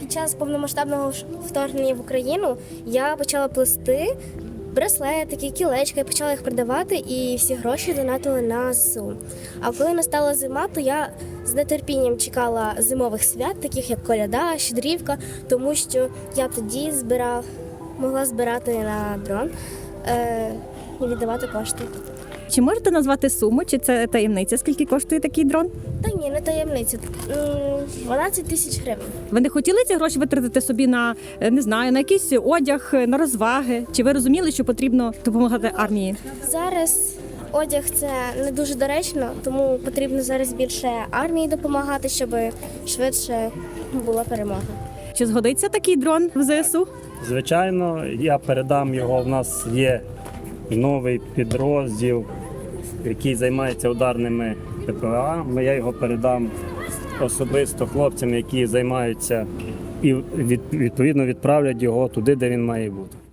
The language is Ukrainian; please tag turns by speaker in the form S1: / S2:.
S1: під час повномасштабного вторгнення в Україну я почала плести браслетики, кілечка, я почала їх продавати і всі гроші донатили на ЗСУ. А коли настала зима, то я з нетерпінням чекала зимових свят, таких як коляда, щедрівка, тому що я тоді могла збирати на дрон і віддавати кошти.
S2: Чи можете назвати суму, чи це таємниця, скільки коштує такий дрон?
S1: Та ні, не таємниця. 12 тисяч гривень.
S2: Ви не хотіли ці гроші витратити собі на, не знаю, на якийсь одяг, на розваги? Чи ви розуміли, що потрібно допомагати армії?
S1: Зараз одяг – це не дуже доречно, тому потрібно зараз більше армії допомагати, щоб швидше була перемога.
S2: Чи згодиться такий дрон в ЗСУ?
S3: Звичайно, я передам його. В нас є новий підрозділ, який займається ударними ППЛА. Я його передам особисто хлопцям, які займаються, і відповідно відправлять його туди, де він має бути.